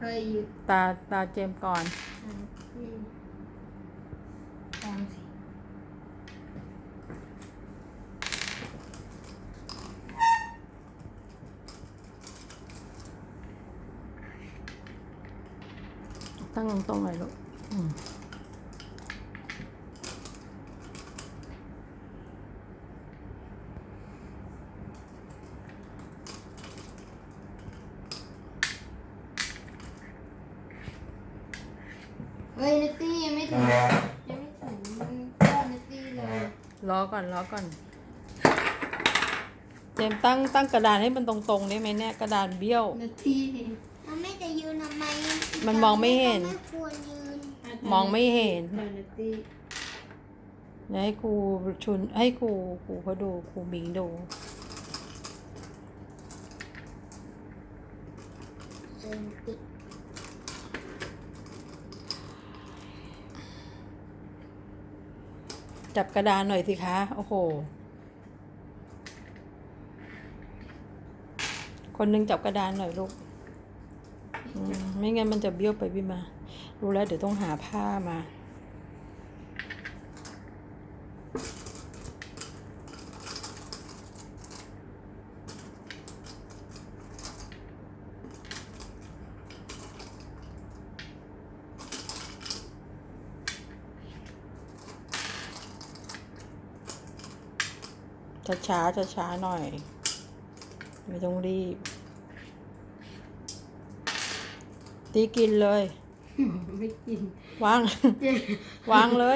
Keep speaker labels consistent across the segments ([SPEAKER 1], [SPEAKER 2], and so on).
[SPEAKER 1] ยอยู่
[SPEAKER 2] ตาเจมก่อน
[SPEAKER 1] ตามสิ
[SPEAKER 2] ตั้งตรงๆหน่อยลูก
[SPEAKER 1] เฮ้ยนัตตี้ยังไม่ถึงก้อนนัตตี้เลย
[SPEAKER 2] รอก่อนเจมตั้งกระดานให้มันตรงๆได้ไหมเนี่ยกระดานเบี้ยว
[SPEAKER 1] นัตตี้
[SPEAKER 3] มันไม่จะยืนทำไม
[SPEAKER 2] มันมองไม่เห็น
[SPEAKER 3] ไม่ควรยืน
[SPEAKER 2] มองไม่เห็น
[SPEAKER 1] นัตตี้
[SPEAKER 2] เดี๋ยวให้ครูให้ครูเขาดูครูบิงดูจับกระดานหน่อยสิคะโอ้โหคนหนึงจับกระดานหน่อยลูกไม่งั้นมันจะเบี้ยวไปบี้มารู้แล้วเดี๋ยวต้องหาผ้ามาช้าหน่อยไม่ต้องรีบตีกินเลย
[SPEAKER 1] ไม่กิน
[SPEAKER 2] วาง วางเลย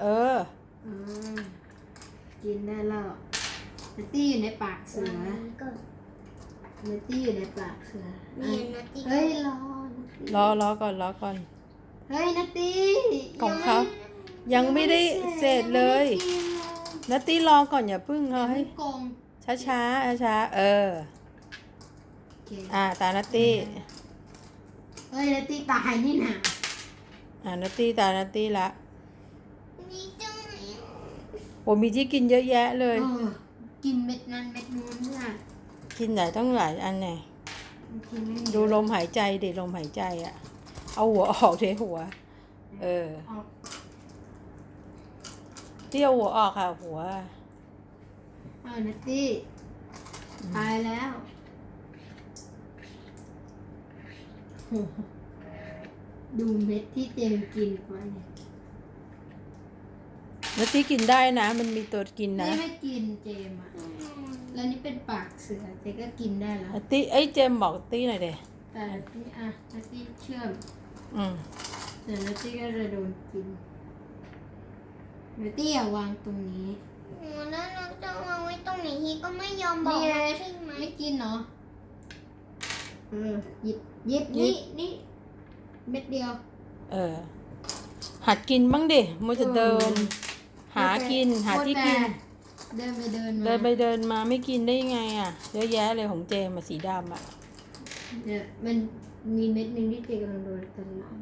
[SPEAKER 1] กินได้แล้วนัตตี้อยู่ในปากเสือนัตตี้อยู่ในปากเสือ
[SPEAKER 3] นี่นัตตี้
[SPEAKER 1] เฮ้ย
[SPEAKER 2] รอก่อน
[SPEAKER 1] เฮ้ยนัตตี้
[SPEAKER 2] ของเขายังไม่ได้เสร็จเลยนัตตี้รอก่อนอย่าพึ่งเขาให้
[SPEAKER 1] กง
[SPEAKER 2] ช้า
[SPEAKER 1] โอเค
[SPEAKER 2] ตานัตตี้
[SPEAKER 1] เฮ้ยนัตตี้ตายนี่นะ
[SPEAKER 2] นัตตี้ตานัตตี้ละ
[SPEAKER 3] มีจัง
[SPEAKER 2] โอ้มีที่กินเยอะแยะเลย
[SPEAKER 1] กินเม็ดนั้นเม็ดนู้นน่ะ
[SPEAKER 2] กินไหนต้องหลายอันไง
[SPEAKER 1] กินไม่
[SPEAKER 2] ดูลมหายใจดิลมหายใจอ่ะเอาหัวออกเทหัวที่เอาหัวออกค่ะหัว
[SPEAKER 1] นัตตี้ตายแล้วดูเม็ดที่เจมกินไป
[SPEAKER 2] นัตตี้กินได้นะมันมีตัวกินนะ
[SPEAKER 1] นี่ไม่กินเจมอ่ะแล้วนี่เป็นปากเสือเจก็กินได้แล้ว
[SPEAKER 2] นัตตี้เจมบอกตี้หน่อยเด้
[SPEAKER 1] แต่นัตตี้นัตตี้เชื่อม แต่นัตตี้ก็จะโดนกินนัตตี้อย่าวางตรงนี้
[SPEAKER 3] แล้วเราจะวางไว้ตรงไหนฮีก็ไม่ยอมบอก
[SPEAKER 1] นี่ไง
[SPEAKER 3] ใช่ไหม
[SPEAKER 1] ไม่กินเนาะหยิบนี่เม็ดเดียว
[SPEAKER 2] หัดกินบ้างดิมัวจะเดิน หาที่กิน
[SPEAKER 1] เดินไปเดินมา
[SPEAKER 2] เดินมาไม่กินได้ยังไงอ่ะเยอะแยะเลยของเจมมาสีดำอ่ะ
[SPEAKER 1] เนี่ยมันมีเม็ดหนึ่งที่เจกำลังโดนตลอด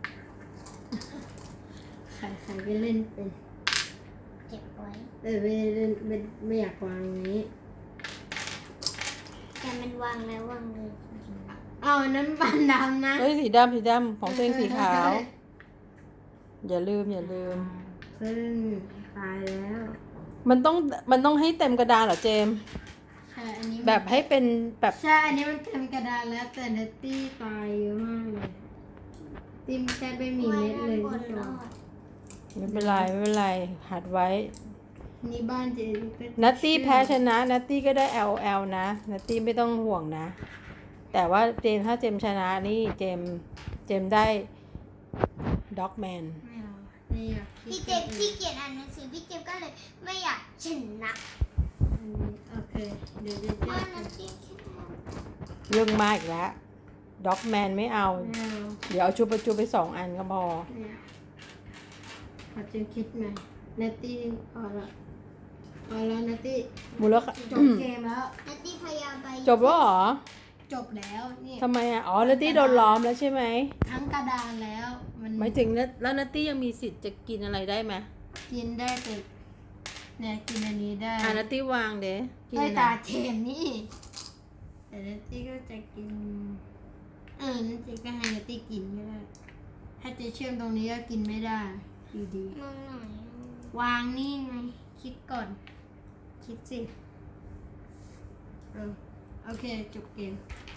[SPEAKER 1] ใครไปเล่นเป็น
[SPEAKER 3] เก็บไว้
[SPEAKER 1] แต่ไม่อยากวางอย่างนี้
[SPEAKER 3] แต่มันวางแล้ววางเลย
[SPEAKER 1] เอาอันนั้นปันดำนะ
[SPEAKER 2] เฮ้ยสีดำของตัวเองสีขาว อย่าลืม
[SPEAKER 1] ซึ่งตายแล้ว
[SPEAKER 2] มันต้องให้เต็มกระดานเหรอเจม
[SPEAKER 1] ใช่อันนี้
[SPEAKER 2] แบบให้เป็นแบบ
[SPEAKER 1] ใช่อันนี้มันเต็มกระดานแล้วแต่เนตตี้ตายเยอะมากเลยติ้มแค่ไม่มีเม็ดเลย
[SPEAKER 3] ไว้
[SPEAKER 1] ที่
[SPEAKER 3] ด้านบนร
[SPEAKER 1] ตัว
[SPEAKER 3] อด
[SPEAKER 2] ไม่เป็นไรหัดไว้
[SPEAKER 1] นี่บ้านเจก็
[SPEAKER 2] นัตตี้แพ้ชนะนัตตี้ก็ได้ LL นะนัตตี้ไม่ต้องห่วงนะ แต่ว่าถ้าเจมชนะนี่เจมได้ด็อกแมน
[SPEAKER 1] ไม่เอานี่อ่ะ
[SPEAKER 3] พี่เจมขี้เกียจอ่านหนังสือพี่เจมก็เลยไม่อยากชนะ
[SPEAKER 1] โอเคเดี๋ยวจะ
[SPEAKER 3] เพราะนัตตี้แค่
[SPEAKER 2] เรื่องมากอีกแล้วด็อกแมนไม่เอา
[SPEAKER 1] ไม่เอา
[SPEAKER 2] เดี๋ยวเอาชุบประจุไป2 อันก็พอ
[SPEAKER 1] เนี่ยขอจะคิดใหม่เนตตี้พอแล้วเนตตี้
[SPEAKER 2] มูลค่า
[SPEAKER 1] จบเกมแล้ว
[SPEAKER 3] นัตตี้พยายามไป
[SPEAKER 2] จบแล้วเหรอ
[SPEAKER 1] จบแล้วนี่
[SPEAKER 2] ทำไมอ่ะนัตตี้โดนล้อมแล้วใช่ไหม
[SPEAKER 1] ทั้งกระดานแล้วมัน
[SPEAKER 2] หมายถึงแล้วนัตตี้ยังมีสิทธิ์จะกินอะไรได้ไหม
[SPEAKER 1] กินได้แต่เนี่ยกินอันนี้ได้
[SPEAKER 2] นัตตี้วางเด้กิน
[SPEAKER 1] ได้
[SPEAKER 2] อะไร
[SPEAKER 1] ตาเทมนี่แต่เนตตี้ก็จะกินนัตตี้ก็ให้เนตตี้กินถ้าเจเชื่อมตรงนี้ก็กินไม่ได้อยู่ดี
[SPEAKER 3] มองหน่อย
[SPEAKER 1] วางนี่ไง คิดก่อน คิดสิโอเค จบเกม